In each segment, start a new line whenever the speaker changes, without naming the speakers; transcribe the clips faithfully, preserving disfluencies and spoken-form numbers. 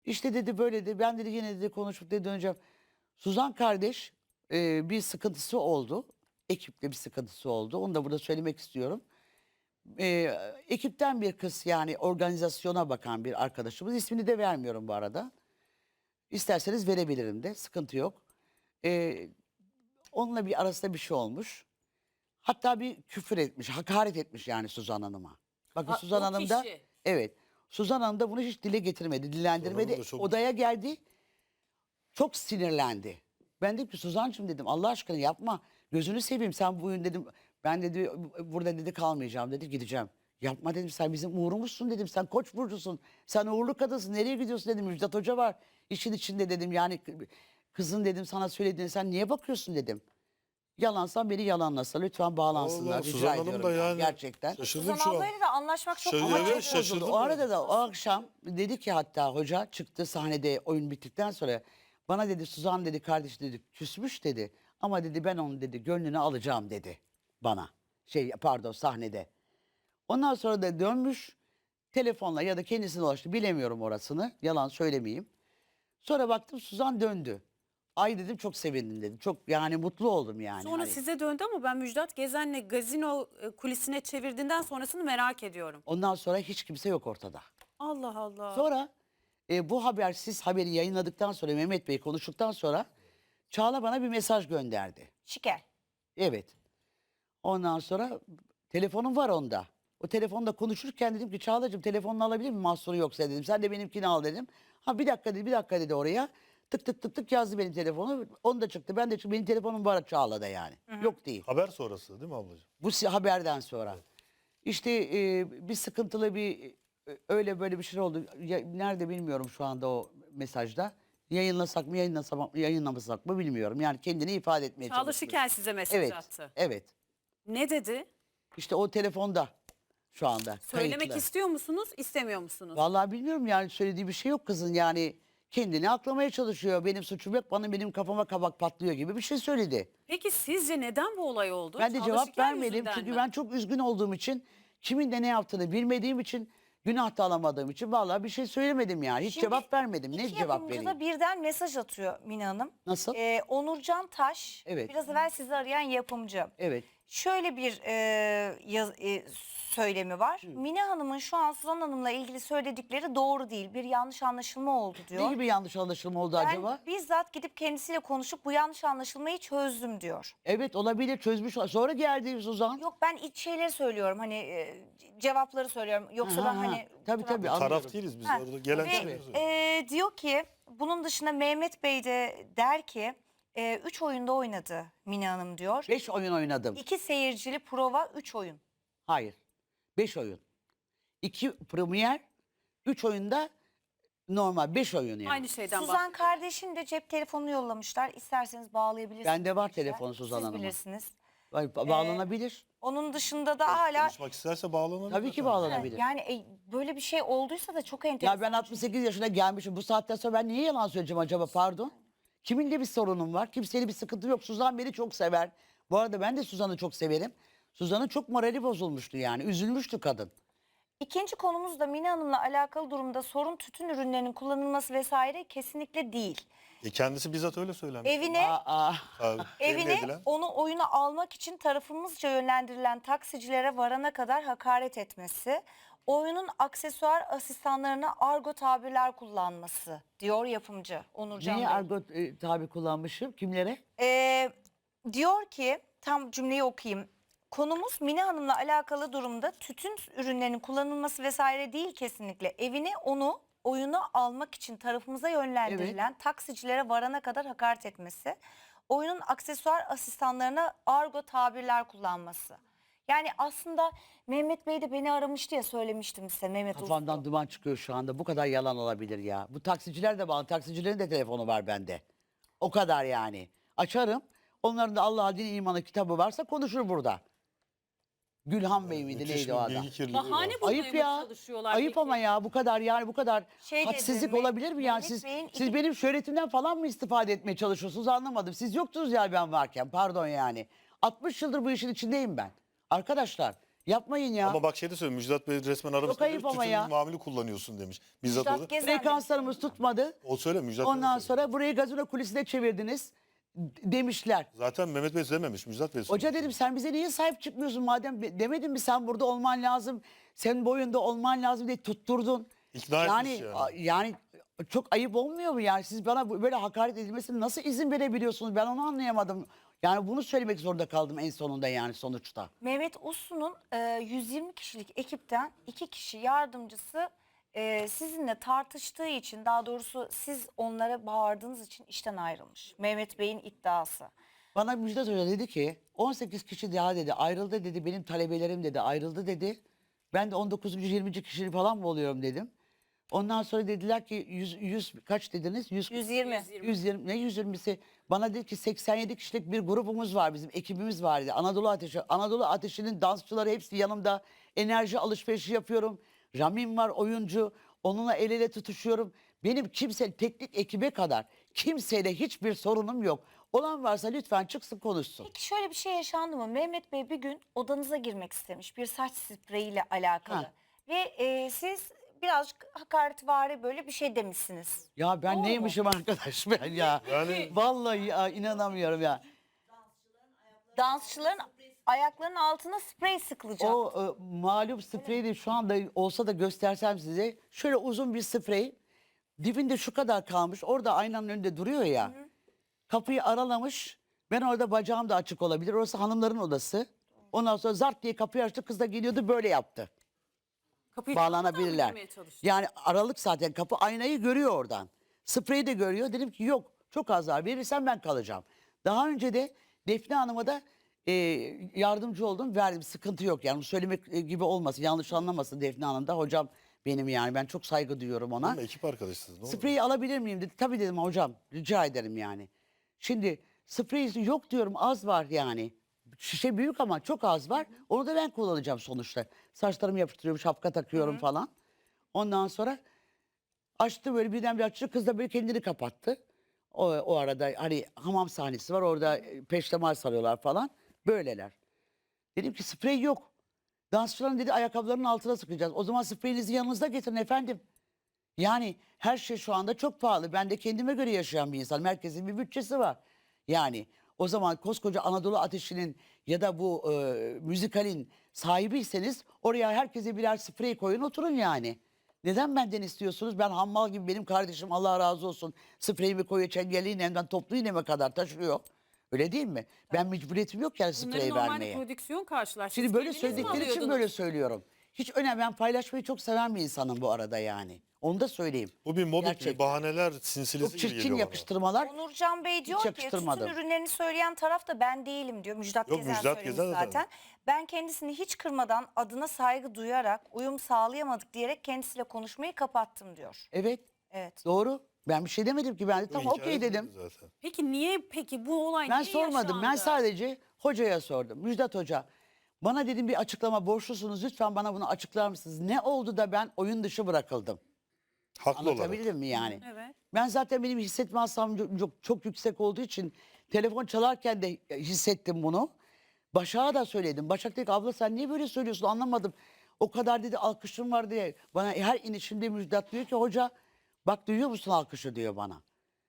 İşte dedi böyle de ben dedi yine dedi konuşup dedi döneceğim. Suzan kardeş e, bir sıkıntısı oldu. Ekiple bir sıkıntısı oldu. Onu da burada söylemek istiyorum. E, ekipten bir kız yani organizasyona bakan bir arkadaşımız. İsmini de vermiyorum bu arada. İsterseniz verebilirim de sıkıntı yok. E, onunla bir arasında bir şey olmuş. Hatta bir küfür etmiş, hakaret etmiş yani Suzan Hanım'a. Bakın
Ha,
Suzan
o
Hanım da
kişi.
evet. Suzan Hanım da bunu hiç dile getirmedi, dillendirmedi.
Hanım da çok-
Odaya geldi. Çok sinirlendi. Ben dedim ki Suzancığım dedim Allah aşkına yapma. Gözünü seveyim sen bugün dedim. Ben dedi burada dedi kalmayacağım dedi gideceğim. Yapma dedim sen bizim uğrumuzsun dedim. Sen Koç burcusun. Sen uğurlu kadınsın. Nereye gidiyorsun dedim. Müjdat Hoca var. İşin içinde dedim. Yani kızın dedim sana söylediğini sen niye bakıyorsun dedim. Yalansan beni yalanlasa lütfen bağlansınlar.
Allah,
Rica
Suzan Hanım
ediyorum
da
yani,
yani
gerçekten.
şaşırdım
Suzan
şu an.
ablayla da anlaşmak çok
Şöyle-
ama
evet,
çok bozuldu.
şaşırdım.
O arada da o akşam dedi ki hatta hoca çıktı sahnede oyun bittikten sonra bana dedi Suzan dedi kardeş dedi küsmüş dedi ama dedi ben onun dedi gönlünü alacağım dedi bana. Şey pardon sahnede. Ondan sonra da dönmüş telefonla ya da kendisine ulaştı bilemiyorum orasını yalan söylemeyeyim. Sonra baktım Suzan döndü. Ay dedim çok sevindim dedim. Çok yani mutlu oldum yani.
Sonra
Hani.
size döndü ama ben Müjdat Gezen'le gazino e, kulisine çevirdiğinden sonrasını merak ediyorum.
Ondan sonra hiç kimse yok ortada.
Allah Allah.
Sonra e, bu haber siz haberi yayınladıktan sonra Mehmet Bey konuştuktan sonra Çağla bana bir mesaj gönderdi.
Şikel.
Evet. Ondan sonra telefonum var onda. O telefonda konuşurken dedim ki Çağla'cığım telefonunu alabilir miyim mahsuru yoksa dedim. Sen de benimkini al dedim. Ha bir dakika dedi bir dakika dedi oraya. Tık tık tık tık yazdı benim telefonu. Onu da çıktı. Ben de çıktı. Benim telefonum var Çağla'da yani. Yok değil.
Haber sonrası değil mi ablacığım?
Bu si- haberden sonra. İşte e, bir sıkıntılı bir e, öyle böyle bir şey oldu. Ya, nerede bilmiyorum şu anda o mesajda. Yayınlasak mı yayınlasak, yayınlamasak mı bilmiyorum. Yani kendini ifade etmeye
Çağla
çalışıyor.
Şikel size mesaj
Evet,
attı.
evet.
Ne dedi?
İşte o telefonda şu anda.
Söylemek
kayıtlı.
istiyor musunuz, istemiyor musunuz?
Vallahi bilmiyorum yani söylediği bir şey yok kızın yani. Kendini aklamaya çalışıyor. Benim suçum yok. Bana benim kafama kabak patlıyor gibi bir şey söyledi.
Peki sizce neden bu olay oldu?
Ben de
Çağla
cevap
Şikel
vermedim
yüzünden
çünkü
mi?
ben çok üzgün olduğum için kimin de ne yaptığını bilmediğim için günah da alamadığım için vallahi bir şey söylemedim yani. Hiç
Şimdi
cevap vermedim. Ne
İki
cevap
yapımcı
vereyim?
da birden mesaj atıyor Mina Hanım.
Nasıl?
Ee, Onurcan Taş,
Evet.
biraz evvel sizi arayan yapımcı.
Evet.
Şöyle bir e, yaz- e, söylemi var. Mina Hanım'ın şu an Suzan Hanım'la ilgili söyledikleri doğru değil. Bir yanlış anlaşılma oldu diyor.
Ne gibi yanlış anlaşılma oldu
Ben
acaba?
bizzat gidip kendisiyle konuşup bu yanlış anlaşılmayı çözdüm diyor.
Evet olabilir çözmüş. Sonra geldi Suzan.
Yok ben iç şeyleri söylüyorum hani e, cevapları söylüyorum. Yoksa
Ha,
ben
ha.
hani...
Tabii, tabii,
Taraf-
anlıyorum.
Taraf değiliz biz.
Ha,
Orada gelen
ve,
şeyleri söylüyoruz.
e, diyor ki bunun dışında Mehmet Bey de der ki e, üç oyunda oynadı Mina Hanım diyor.
Beş oyun oynadım.
İki seyircili prova, üç oyun.
Hayır. Beş oyun. İki premier, üç oyunda normal. Beş oyun yani.
Aynı şeyden
Suzan
bahsediyorum.
kardeşin de cep telefonunu yollamışlar. İsterseniz bağlayabilirsiniz.
Bende var
demişler.
telefonu Suzan
Siz
Hanım'ın.
bilirsiniz.
Ba- Bağlanabilir.
Onun dışında da hala
Konuşmak isterse bağlanabilir.
Tabii ki
efendim.
bağlanabilir.
yani e, böyle bir şey olduysa da çok enteresan.
Ya ben altmış sekiz yaşına gelmişim. Bu saatten sonra ben niye yalan söyleyeceğim acaba pardon? Kiminle bir sorunum var? Kimseyle bir sıkıntı yok. Suzan beni çok sever. Bu arada ben de Suzan'ı çok severim. Suzan'ın çok morali bozulmuştu yani. Üzülmüştü kadın.
İkinci konumuz da Mina Hanım'la alakalı durumda sorun tütün ürünlerinin kullanılması vesaire kesinlikle değil.
E kendisi bizzat öyle söylemiş.
Evine
Aa,
Abi, temin
Evine
edilen.
onu oyuna almak için tarafımızca yönlendirilen taksicilere varana kadar hakaret etmesi, oyunun aksesuar asistanlarına argo tabirler kullanması diyor yapımcı Onurcan
niye
Bey.
argo e, tabi kullanmışım? Kimlere?
Ee, diyor ki tam cümleyi okuyayım. Konumuz Mina Hanım'la alakalı durumda tütün ürünlerinin kullanılması vesaire değil kesinlikle. Evine onu oyuna almak için tarafımıza yönlendirilen taksicilere varana kadar hakaret etmesi. Oyunun aksesuar asistanlarına argo tabirler kullanması. Yani aslında Mehmet Bey de beni aramıştı ya söylemiştim size Mehmet Uslu.
Kafamdan duman çıkıyor şu anda. Bu kadar yalan olabilir ya. Bu taksiciler de bağlı. Taksicilerin de telefonu var bende. O kadar yani. Açarım. Onların da Allah'a din imanı kitabı varsa konuşur burada. Gülhan Bey miydi
Müthiş
neydi
bir
o adam?
bilgi kirliliği
Bahane
var.
bulmaya
Ayıp
mı
ya.
çalışıyorlar
Ayıp
peki?
ama ya bu kadar yani bu kadar
Şey
hadsizlik
dedi,
olabilir mi yani
Mehmet
siz
Bey'in
siz
iki-
benim şöhretimden falan mı istifade etmeye çalışıyorsunuz anlamadım. Siz yoktunuz ya ben varken pardon yani. altmış yıldır bu işin içindeyim ben. Arkadaşlar Yapmayın ya.
Ama bak şey de söylüyor. Müjdat Bey resmen aramızda
ayıp
demiş,
ama
tütün
ya.
mamülü kullanıyorsun demiş. Bizzat
Müjdat
o da.
Gezen
Frekanslarımız tutmadı.
O söyle Müjdat Bey de
Ondan
söylüyor.
sonra burayı gazino kulisine çevirdiniz d- demişler.
Zaten Mehmet Bey dememiş. Müjdat Bey
Hoca
söylüyor.
dedim sen bize niye sahip çıkmıyorsun madem be- demedin mi sen burada olman lazım. Senin boyunda olman lazım diye tutturdun.
İkna
yani,
etmiş yani.
a- yani çok ayıp olmuyor mu yani siz bana bu- böyle hakaret edilmesine nasıl izin verebiliyorsunuz ben onu anlayamadım. Yani bunu söylemek zorunda kaldım en sonunda yani sonuçta.
Mehmet Uslu'nun e, yüz yirmi kişilik ekipten iki kişi yardımcısı e, sizinle tartıştığı için, daha doğrusu siz onlara bağırdığınız için işten ayrılmış. Mehmet Bey'in iddiası.
Bana Müjdat Hoca dedi ki on sekiz kişi daha dedi ayrıldı dedi benim talebelerim dedi ayrıldı dedi. Ben de on dokuzuncu yirminci kişi falan mı oluyorum dedim. Ondan sonra dediler ki yüz, yüz kaç dediniz? yüz,
yüz yirmi.
yüz yirmi ne yüz yirmisi? Bana dedi ki seksen yedi kişilik bir grubumuz var bizim ekibimiz var dedi. Anadolu Ateşi. Anadolu Ateşi'nin dansçıları hepsi yanımda. Enerji alışverişi yapıyorum. Ramin var oyuncu. Onunla el ele tutuşuyorum. Benim kimse teknik ekibe kadar kimseyle hiçbir sorunum yok. Olan varsa lütfen çıksın konuşsun.
Peki şöyle bir şey yaşandı mı? Mehmet Bey bir gün odanıza girmek istemiş bir saç spreyiyle alakalı.
Ha.
Ve e, siz birazcık hakaretvari böyle bir şey demişsiniz.
Ya ben
Doğru mu?
neymişim arkadaş ben ya.
Yani-
Vallahi ya, inanamıyorum ya.
Dansçıların ayaklarının altına sprey sıkılacak.
O e, malum spreyi de şu anda olsa da göstersem size. Şöyle uzun bir sprey. Dibinde şu kadar kalmış. Orada aynanın önünde duruyor ya. Kapıyı aralamış. Ben orada bacağım da açık olabilir. Orası hanımların odası. Ondan sonra zart diye kapıyı açtı. Kız da geliyordu böyle yaptı.
Kapıyı
Bağlanabilirler.
çalmadan mı girmeye çalıştı?
Yani aralık zaten kapı aynayı görüyor oradan. Spreyi de görüyor. Dedim ki yok çok az daha verirsen ben kalacağım. Daha önce de Defne Hanım'a da e, yardımcı oldum verdim sıkıntı yok yani bu söylemek e, gibi olmasın yanlış anlamasın Defne Hanım da hocam benim yani ben çok saygı duyuyorum ona.
Ama ekip arkadaşsınız. Ne olur.
Spreyi alabilir miyim dedi. Tabii dedim hocam rica ederim yani. Şimdi sprey yok diyorum az var yani. Şişe büyük ama çok az var. Onu da ben kullanacağım sonuçta. Saçlarımı yapıştırıyorum, şapka takıyorum falan. Ondan sonra açtı böyle birdenbire açtı. Kız da böyle kendini kapattı. O, o arada hani hamam sahnesi var orada e, peştemal sarıyorlar falan. Böyleler. Dedim ki sprey yok. Dansçıların dedi ayakkabılarının altına sıkacağız. O zaman spreyinizi yanınızda getirin efendim. Yani her şey şu anda çok pahalı. Ben de kendime göre yaşayan bir insanım. Herkesin bir bütçesi var. Yani o zaman koskoca Anadolu Ateşi'nin ya da bu e, müzikalin sahibiyseniz oraya herkese birer sprey koyun oturun yani. Neden benden istiyorsunuz? Ben hammal gibi benim kardeşim Allah razı olsun spreyimi koyuyor çengelli iğnemden toplu iğneme kadar taşıyor. Öyle değil mi? Ben mecburiyetim yok yani
Bunları
sprey
normalde
vermeye.
prodüksiyon karşılar. Siz
Şimdi böyle
kendiniz mi
söyledikleri için
alıyordunuz?
böyle söylüyorum. Hiç önemli. Ben paylaşmayı çok seven bir insanım bu arada yani. Onu da söyleyeyim.
Bu bir mobbing,
Gerçekten.
bir bahaneler sinsilesi
Çok
gibi
çirkin
geliyor bana.
yakıştırmalar.
Onurcan Bey diyor ki tütün
yakıştırmadım.
ürünlerini söyleyen taraf da ben değilim diyor. Müjdat
Yok,
Gezen
Müjdat
söylemiş
Gezen de
zaten. Ben kendisini hiç kırmadan adına saygı duyarak uyum sağlayamadık diyerek kendisiyle konuşmayı kapattım diyor.
Evet
Evet.
doğru. Ben bir şey demedim ki ben de
Bu
tamam
hikaye
okey
değil
dedim.
Zaten.
Peki niye peki bu olay
Ben
niye
sormadım. Ben
yaşandı?
sadece hocaya sordum. Müjdat Hoca bana dedim bir açıklama borçlusunuz. Lütfen bana bunu açıklar mısınız? Ne oldu da ben oyun dışı bırakıldım?
Haklı olarak.
Anlatabildim mi yani?
Evet.
Ben zaten benim hissetme hastam çok, çok, çok yüksek olduğu için telefon çalarken de hissettim bunu. Başak'a da söyledim. Başak dedi ki abla sen niye böyle söylüyorsun anlamadım. O kadar dedi alkışım var diye. Bana her inişinde Müjdat diyor ki hoca bak duyuyor musun alkışı diyor bana.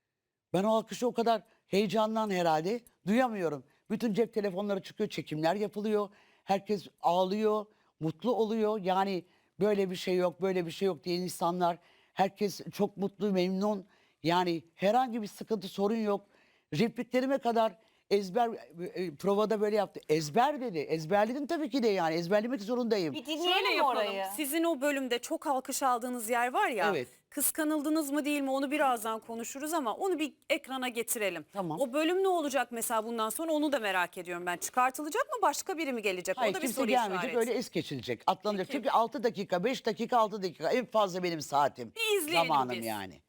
Ben o alkışı o kadar heyecandan herhalde duyamıyorum. Bütün cep telefonları çıkıyor, çekimler yapılıyor. Herkes ağlıyor, mutlu oluyor. Yani böyle bir şey yok, böyle bir şey yok diyen insanlar. Herkes çok mutlu, memnun. Yani herhangi bir sıkıntı, sorun yok. Repliklerime kadar ezber, e, provada böyle yaptı. Ezber dedi. Ezberledim tabii ki de yani. Ezberlemek zorundayım.
Bir
Şöyle
dinleyelim mi
yapalım.
orayı?
Sizin o bölümde çok alkış aldığınız yer var ya.
Evet.
Kıskanıldınız mı değil mi onu birazdan konuşuruz ama onu bir ekrana getirelim.
Tamam.
O bölüm ne olacak mesela bundan sonra onu da merak ediyorum ben. Çıkartılacak mı başka biri mi gelecek?
Hayır
o da bir
kimse
soru
gelmeyecek
işareti.
öyle es geçilecek. Atlanacak.
Peki.
Çünkü altı dakika, beş dakika, altı dakika en fazla benim saatim.
Bir izleyelim
Zamanım
biz.
yani.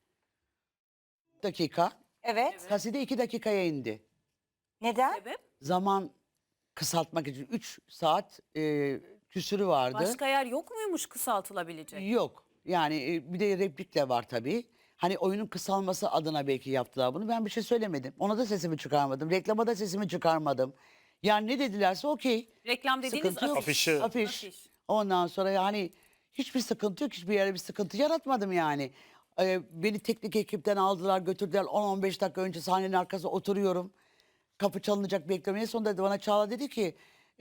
Dakika.
Evet.
Kaside iki dakikaya indi.
Neden?
Sebep?
Zaman kısaltmak için üç saat e, küsürü vardı.
Başka yer yok muymuş kısaltılabilecek?
Yok. Yani e, bir de replik de var tabii. Hani oyunun kısalması adına belki yaptılar bunu. Ben bir şey söylemedim. Ona da sesimi çıkarmadım. Reklama da sesimi çıkarmadım. Yani ne dedilerse okey.
Reklam dediğiniz
Sıkıntı yok.
afiş.
Afişi-
Afiş.
Afiş.
Ondan sonra yani hiçbir sıkıntı yok. Hiçbir yere bir sıkıntı yaratmadım yani. Ee, beni teknik ekipten aldılar götürdüler. on on beş dakika önce sahnenin arkasında oturuyorum. Kapı çalınacak bekliyorum. En sonunda dedi, bana Çağla dedi ki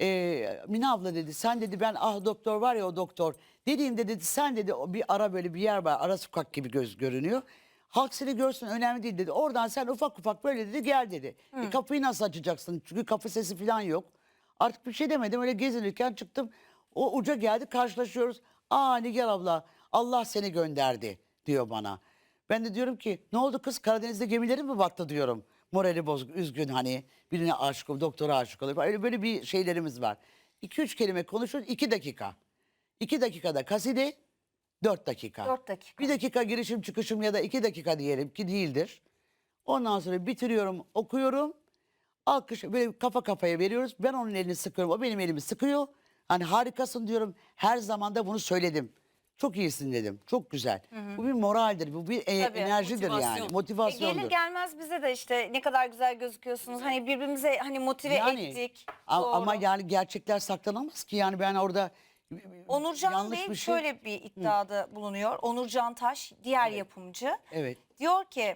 e, Mine abla dedi sen dedi ben ah doktor var ya o doktor. Dediğimde dedi sen dedi o bir ara böyle bir yer var ara sokak gibi göz görünüyor. Halk seni görsün önemli değil dedi. Oradan sen ufak ufak böyle dedi gel dedi. E, kapıyı nasıl açacaksın? Çünkü kapı sesi falan yok. Artık bir şey demedim öyle gezinirken çıktım. O uca geldi karşılaşıyoruz. Aa Nigar abla Allah seni gönderdi diyor bana. Ben de diyorum ki ne oldu kız Karadeniz'de gemilerin mi battı diyorum. Morali bozuk üzgün hani birine aşık olup doktora aşık olup öyle böyle bir şeylerimiz var. iki üç kelime konuşuyoruz iki dakika. iki dakikada kaside dört dakika.
Dört dakika.
Bir dakika girişim çıkışım ya da iki dakika diyelim ki değildir. Ondan sonra bitiriyorum okuyorum. Alkış böyle kafa kafaya veriyoruz. Ben onun elini sıkıyorum. O benim elimi sıkıyor. Hani harikasın diyorum. Her zaman da bunu söyledim. Çok iyisin dedim. Çok güzel. Bu bir moraldir. Bu bir e,
Tabii,
enerjidir yani.
motivasyon.
E,
Motivasyondur.
gelir gelmez bize de işte ne kadar güzel gözüküyorsunuz. Hani birbirimize hani motive
Yani,
ettik.
a-
Doğru.
ama yani gerçekler saklanamaz ki. Yani ben orada
Onurcan
yanlış
Bey
bir şey.
şöyle bir iddiada bulunuyor. Onurcan Taş diğer yapımcı.
Evet.
Diyor ki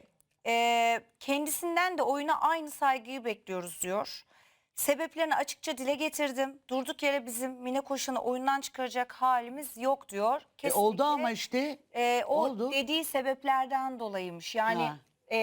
e, kendisinden de oyuna aynı saygıyı bekliyoruz diyor. Sebeplerini açıkça dile getirdim. Durduk yere bizim Mine Koşan'ı oyundan çıkaracak halimiz yok diyor.
E, oldu ama işte.
e, o
oldu.
dediği sebeplerden dolayıymış. Yani
Ha.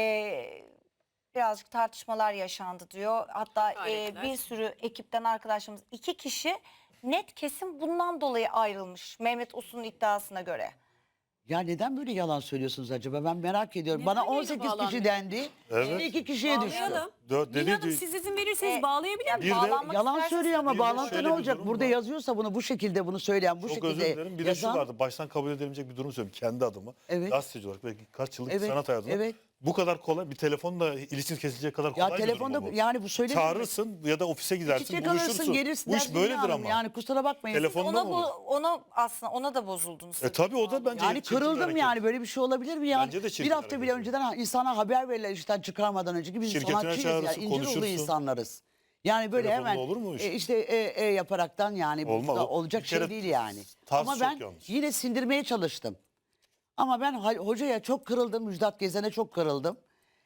e, birazcık tartışmalar yaşandı diyor. Hatta e,
Hakaretler.
bir sürü ekipten arkadaşlarımız iki kişi net kesin bundan dolayı ayrılmış. Mehmet Uslu'nun iddiasına göre.
Ya neden böyle yalan söylüyorsunuz acaba? Ben merak ediyorum.
Neden
Bana
yayına
on sekiz kişi
bağlanmıyor?
dendi.
Evet.
Şimdi iki kişiye düştü.
Bağlayalım.
Dört
Mine
dedi
Hanım
değil.
siz izin verirseniz
E,
bağlayabilir
Bir de-
miyim?
Bağlanmak
Yalan
isterseniz-
söylüyor ama
Bir de
bağlantı
şöyle
ne
bir
olacak?
durum
Burada
var.
yazıyorsa bunu bu şekilde bunu söyleyen bu
Çok
şekilde
özür dilerim. Bir de şu
yazan-
vardı. Baştan kabul edilemeyecek bir durum söyleyeyim kendi adıma.
Evet.
Gazeteci olarak belki kaç yıllık
Evet,
sanat hayatında.
evet.
Bu kadar kolay bir telefonla ilişkin kesilecek kadar kolay
Ya
bir durum
telefonda
mu bu.
yani bu söyledi.
Çağırırsın ya da ofise gidersin
Çiçek
buluşursun.
alırsın gelirsin.
Bu
dersin
iş böyledir
Hanım.
ama.
Yani kusura bakmayın.
Telefon- Telefonda
Ona
mı
bu
olur?
ona aslında ona da bozuldunuz.
E tabii o da bence
Yani
çirkin bir
kırıldım
hareket.
yani böyle bir şey olabilir mi ya?
Bence de çirkin
Bir hafta bile
hareket.
önceden ha- insana haber verirler işten çıkarmadan önce ki biz
Şirketine
sanatçıyız ya
çağırırsın,
ince ruhlu
konuşursun.
insanlarız. Yani böyle
Telefonla
hemen
olur mu o iş?
e, işte e, e yaparaktan yani bu
Olmaz.
da olacak
Bir
şey
kere
değil yani.
tarz
Ama
çok
ben
yanlış.
yine sindirmeye çalıştım. Ama ben ha- hocaya çok kırıldım. Müjdat Gezen'e çok kırıldım.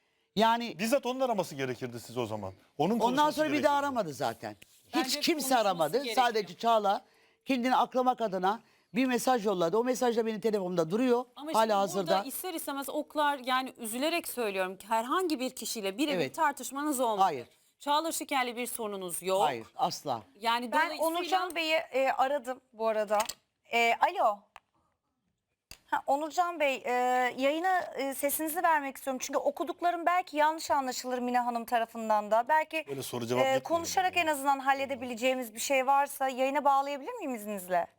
Yani
Bizzat onun araması gerekirdi siz o zaman. Onun
ondan
konuşması
sonra bir
gerekirdi.
daha aramadı zaten. Hiç
Bence
kimse
konuşması
aramadı.
gerekiyor.
Sadece Çağla kendini aklamak adına bir mesaj yolladı. O mesaj da benim telefonumda duruyor.
Ama
Hala
şimdi
hazırda.
burada ister istemez oklar yani üzülerek söylüyorum ki herhangi bir kişiyle birebir
Evet.
tartışmanız olmadı.
Hayır.
Çağla Şiker'le bir sorununuz yok.
Hayır asla.
Yani
Ben
dolayısıyla
Onurcan Bey'i e, aradım bu arada. E, alo. Ha, Onurcan Bey e, yayına e, sesinizi vermek istiyorum. Çünkü okuduklarım belki yanlış anlaşılır Mine Hanım tarafından da. Belki
Böyle soru cevap
e,
yapmayalım
konuşarak
yani.
en azından halledebileceğimiz bir şey varsa yayına bağlayabilir miyim izninizle?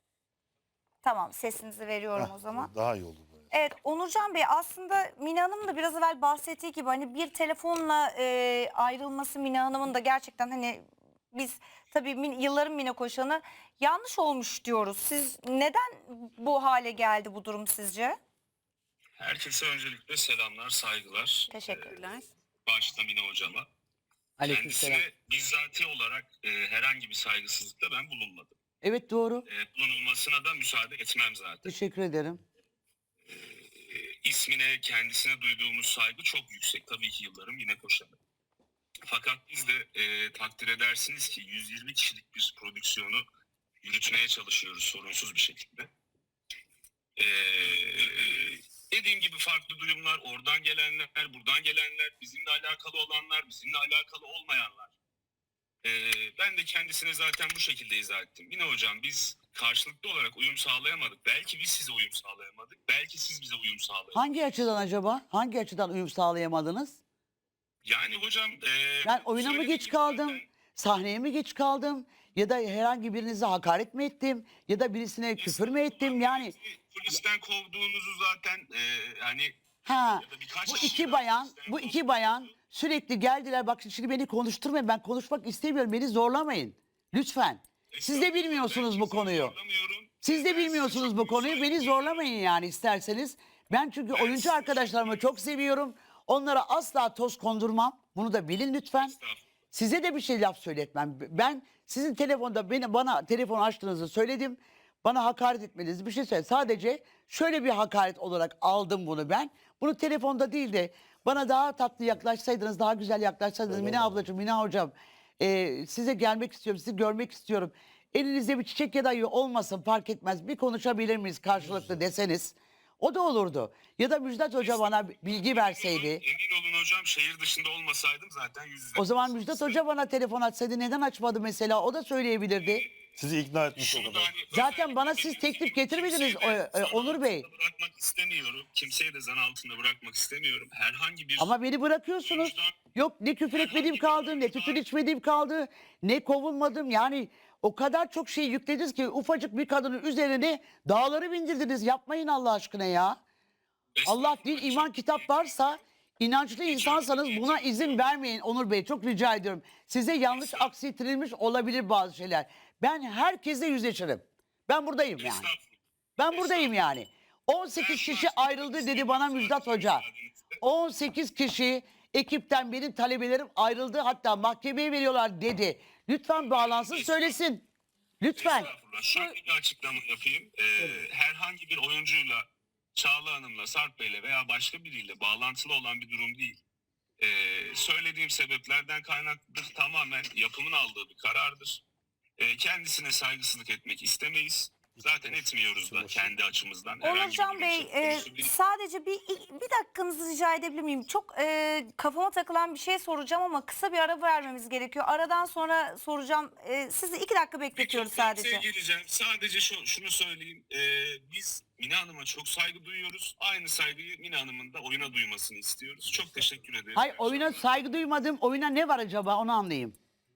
Tamam sesinizi veriyorum
Heh,
o zaman.
Daha iyi oldu böyle.
Evet Onurcan Bey aslında Mine Hanım da biraz evvel bahsettiği gibi hani bir telefonla e, ayrılması Mine Hanım'ın da gerçekten hani biz tabii min, yılların Mine Koşan'ı yanlış olmuş diyoruz. Siz neden bu hale geldi bu durum sizce?
Herkese öncelikle selamlar, saygılar.
Teşekkürler.
Başta Mine hocama.
Aleykümselam.
Kendisine bizzati olarak e, herhangi bir saygısızlıkta ben bulunmadım.
Evet doğru.
E, bulunulmasına da müsaade etmem zaten.
Teşekkür ederim.
E, ismine, kendisine duyduğumuz saygı çok yüksek. Tabii ki yıllarım Mine Koşan'ı. Fakat biz de e, takdir edersiniz ki yüz yirmi kişilik bir prodüksiyonu yürütmeye çalışıyoruz sorunsuz bir şekilde. E, dediğim gibi farklı duyumlar, oradan gelenler, buradan gelenler, bizimle alakalı olanlar, bizimle alakalı olmayanlar. E, ben de kendisine zaten bu şekilde izah ettim. Yine hocam biz karşılıklı olarak uyum sağlayamadık. Belki biz size uyum sağlayamadık. Belki siz bize uyum sağlayamadınız.
Hangi açıdan acaba? Hangi açıdan uyum sağlayamadınız?
Yani hocam... E,
Ben oyuna mı
söylediğim
geç
gibi
kaldım?
zaten-
Sahneye mi geç kaldım? Ya da herhangi birinize hakaret mi ettim? Ya da birisine küfür mü ettim? Yani
Polisten kovduğunuzu zaten e, hani
ha
ya da birkaç
bu
kişi
iki
daha
bayan
polisten
bu iki
kovdu.
bayan sürekli geldiler. Bak şimdi beni konuşturmayın. Ben konuşmak istemiyorum. Beni zorlamayın. Lütfen. Siz de bilmiyorsunuz bu konuyu. Siz de bilmiyorsunuz bu konuyu. Beni zorlamayın yani isterseniz. Ben çünkü oyuncu arkadaşlarımı çok seviyorum. Onlara asla toz kondurmam. Bunu da bilin lütfen. Size de bir şey laf söyletmem. Ben sizin telefonda beni bana telefon açtığınızı söyledim. Bana hakaret etmenizi bir şey söyledim. Sadece şöyle bir hakaret olarak aldım bunu ben. Bunu telefonda değil de bana daha tatlı yaklaşsaydınız, daha güzel yaklaşsaydınız. Mine ablacığım, Mine hocam, e, size gelmek istiyorum, sizi görmek istiyorum. Elinizde bir çiçek ya da olmasın fark etmez. Bir konuşabilir miyiz karşılıklı deseniz. O da olurdu. Ya da Müjdat Hoca bana bilgi verseydi.
Emin olun hocam, şehir dışında olmasaydım zaten yüz yüze.
O zaman Müjdat Hoca bana telefon açsaydı neden açmadı mesela? O da söyleyebilirdi.
Sizi ikna etmiş o
Şunu da
kadar.
hani
Zaten bana
özellikle
siz teklif getirmediniz,
kimseyi de
e, e,
zan
Onur Bey.
altında bırakmak istemiyorum. Kimseyi de zan altında bırakmak istemiyorum. Herhangi bir
Ama beni bırakıyorsunuz. Yok ne küfür etmediğim kaldı, ne tütün içmediğim kaldı, ne kovulmadım. Yani o kadar çok şey yüklediniz ki ufacık bir kadının üzerine dağları bindirdiniz. Yapmayın Allah aşkına ya. Allah din, iman, kitap varsa, inançlı insansanız buna izin vermeyin Onur Bey. Çok rica ediyorum. Size yanlış aksiyetirilmiş olabilir bazı şeyler. Ben herkesle yüzleşirim. Ben buradayım yani.
Estağfurullah.
Ben buradayım yani. on sekiz kişi ayrıldı dedi bana Müjdat Hoca. on sekiz kişi ekipten benim talebelerim ayrıldı, hatta mahkemeye veriyorlar dedi. Lütfen bağlansın söylesin. Lütfen.
Estağfurullah. Şöyle bir açıklama yapayım. Ee, herhangi bir oyuncuyla, Çağla Hanım'la, Sarp Bey'le veya başka biriyle bağlantılı olan bir durum değil. Ee, söylediğim sebeplerden kaynaklı tamamen yapımın aldığı bir karardır. Ee, kendisine saygısızlık etmek istemeyiz. Zaten etmiyoruz da kendi açımızdan. Herhangi bir
Onurcan
durum
Bey
söz
e,
konusu değil.
sadece bir bir dakikanızı rica edebilir miyim? Çok e, kafama takılan bir şey soracağım ama kısa bir ara vermemiz gerekiyor. Aradan sonra soracağım. E, sizi iki dakika bekletiyoruz
Bir toplantıya
sadece.
gireceğim. Sadece şu, şunu söyleyeyim. Ee, biz Mine Hanım'a çok saygı duyuyoruz. Aynı saygıyı Mine Hanım'ın da oyuna duymasını istiyoruz. Çok teşekkür ederim.
Hayır, oyuna saygı duymadım. Oyuna ne var acaba onu anlayayım.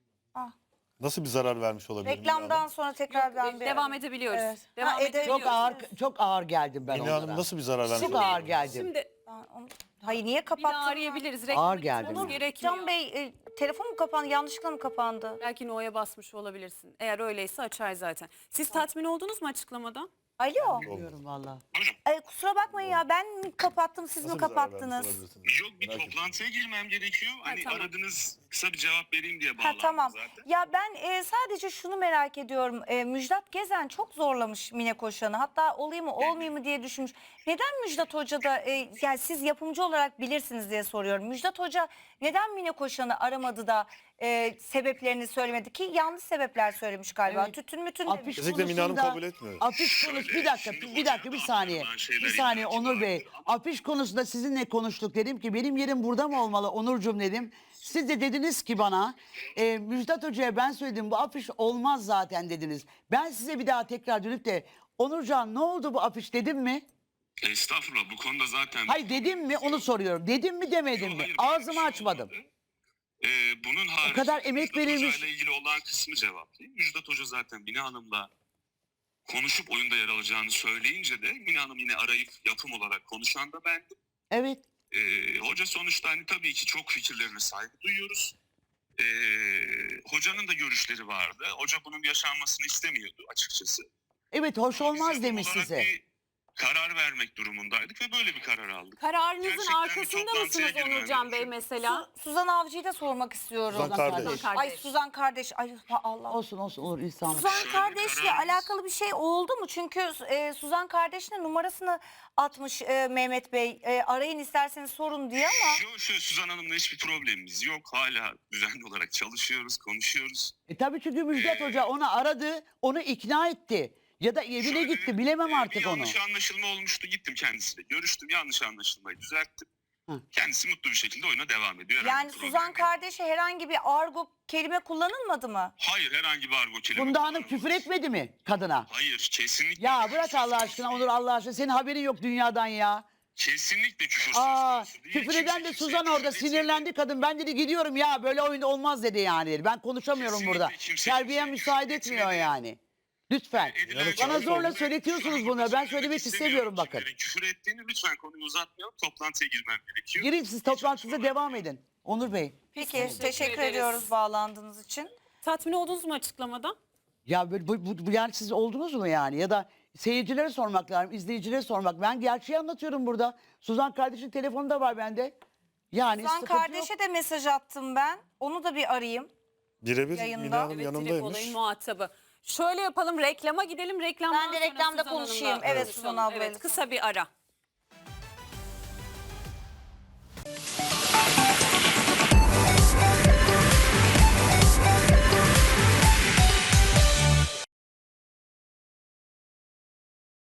Nasıl bir zarar vermiş olabilir?
Reklamdan sonra tekrar ben bir
Devam edebiliyoruz.
Evet.
Devam
Ha, ede-
edebiliyoruz.
Çok ağır çok ağır geldim ben
Mine Hanım
onlara.
nasıl bir zarar vermiş
Çok
olabilir?
ağır geldim.
Şimdi
Ben onu- Hayır niye
bir daha
kapattın?
arayabiliriz.
Ağır
Reklam
geldi
gitmemiz
bana.
gerekiyor.
Can Bey e, telefon mu kapandı? Yanlışlıkla mı kapandı?
Belki No'ya basmış olabilirsin. Eğer öyleyse açar zaten. Siz tatmin oldunuz mu açıklamadan?
Alo.
Bilmiyorum valla.
Buyurun.
E, kusura bakmayın ya ben mi kapattım siz
Nasıl
mi
bir zarar vermiş
kapattınız?
olabilirsiniz?
Yok, bir
Merak ettim.
toplantıya girmem gerekiyor. Hani
tamam.
aradınız, kısa bir cevap vereyim diye
Ha
bağlandım
tamam.
zaten.
Ya ben e, sadece şunu merak ediyorum. E, Müjdat Gezen çok zorlamış Mine Koşan'ı. Hatta olayım mı olmayayım mı diye düşünmüş. Neden Müjdat Hoca da e, yani siz yapımcı olarak bilirsiniz diye soruyorum. Müjdat Hoca neden Mine Koşan'ı aramadı da e, sebeplerini söylemedi ki yanlış sebepler söylemiş galiba.
Evet.
Tütün mütün
Afiş
demiş.
Kesinlikle Mine Hanım
konusunda-
kabul etmiyor.
Afiş konusu bir dakika
Şimdi
bir dakika bir
hocam,
saniye.
aklıma
Bir
şeyler
saniye
illaki
Onur Bey.
vardır ama-
Afiş konusunda sizinle konuştuk, dedim ki benim yerim burada mı olmalı Onurcuğum dedim. Siz de dediniz ki bana e, Müjdat Hoca'ya ben söyledim bu afiş olmaz zaten dediniz. Ben size bir daha tekrar dönüp de Onurcan ne oldu bu afiş dedim mi?
Estağfurullah, bu konuda zaten...
Hayır dedim mi onu soruyorum. Dedim mi demedim
Yok,
mi?
hayır, böyle bir
Ağzımı
şey
açmadım.
olmadı. Ee, bunun harici,
kadar emek
Müjdat
verilmiş.
Hoca ile ilgili olan kısmı cevaplayayım. Müjdat Hoca zaten Mine Hanım'la konuşup oyunda yer alacağını söyleyince de Mine Hanım yine arayıp yapım olarak konuşan da bendim.
Evet.
Ee, hoca sonuçta hani tabii ki çok fikirlerine saygı duyuyoruz. Ee, hocanın da görüşleri vardı. Hoca bunun yaşanmasını istemiyordu açıkçası.
Evet hoş
Biz
olmaz
yapım
demiş
olarak
size.
bir karar vermek durumundaydık ve böyle bir karar aldık.
Kararınızın
Gerçekten bir
arkasında
toplantıya
mısınız
girmem
Onurcan Bey
gerekiyor.
mesela?
Su- Suzan Avcı'yı da sormak istiyorum.
Suzan kardeş.
Suzan
Ay Suzan kardeş. Ay ha, Allah.
Olsun olsun olur insanlık.
Suzan
Şöyle bir
kardeşle
kararımız-
alakalı bir şey oldu mu? Çünkü e, Suzan kardeşine numarasını atmış e, Mehmet Bey. E, arayın isterseniz sorun diye ama.
Şu, şu Suzan Hanım'la hiçbir problemimiz yok. Hala düzenli olarak çalışıyoruz, konuşuyoruz.
E tabii çünkü Müjdat Hoca onu aradı, onu ikna etti. Ya da evine
Şöyle,
gitti, bilemem
e,
artık
bir
onu.
yanlış anlaşılma olmuştu. Gittim kendisiyle. Görüştüm. Yanlış anlaşılmayı düzelttim.
Hı.
Kendisi mutlu bir şekilde oyuna devam ediyor. Herhangi
Yani
bir problem
Suzan
yok.
kardeşe herhangi bir argo kelime kullanılmadı mı?
Hayır, herhangi bir argo kelime.
Funda Hanım
kullanılmadı.
küfür etmedi mi kadına?
Hayır, kesinlikle.
Ya
küfür
bırak
söz
Allah
konusu
aşkına
değil.
Onur Allah aşkına. Senin haberin yok dünyadan ya.
Kesinlikle küfür söz
Aa,
konusu değil.
küfür
Kimse
eden de
kimseye
Suzan
küfür
orada
etmedi.
sinirlendi kadın. Ben dedi gidiyorum ya böyle oyunda olmaz dedi yani. dedi. Ben konuşamıyorum
Kesinlikle
burada.
kimse
Terbiye
kimseye
müsaade
küfür
etmiyor
etmedi.
yani. Lütfen.
Edilen
Bana
Bana
çok
zorla
oldu.
söyletiyorsunuz
Şu
bunu.
anda
Ben
söylemek
söylemek istemiyorum bakın.
kimlerin Küfür ettiğini lütfen konuyu uzatmayalım. Toplantıya girmem gerekiyor.
Girin siz toplantınıza devam edin. Onur Bey.
Peki
Teşekkür
teşekkür,
ederiz.
ediyoruz bağlandığınız için.
Tatmin oldunuz mu açıklamadan?
Ya bu, bu, bu- bu yani siz oldunuz mu yani? Ya da seyircilere sormak lazım, izleyicilere sormak. Ben gerçeği anlatıyorum burada. Suzan kardeşin telefonu da var bende. Yani
Suzan
sıkıntı yok.
kardeşe de mesaj attım ben. Onu da bir arayayım.
Birebir
Yayında.
Mine Hanım
Evet, direkt
yanımdaymış.
olayın muhatabı. Şöyle yapalım, reklama gidelim. Reklamdan
Ben de
sonra
reklamda
Suzan Hanım'la
konuşayım. Evet,
konuşalım.
Suzan ablayla.
Evet, kısa bir ara.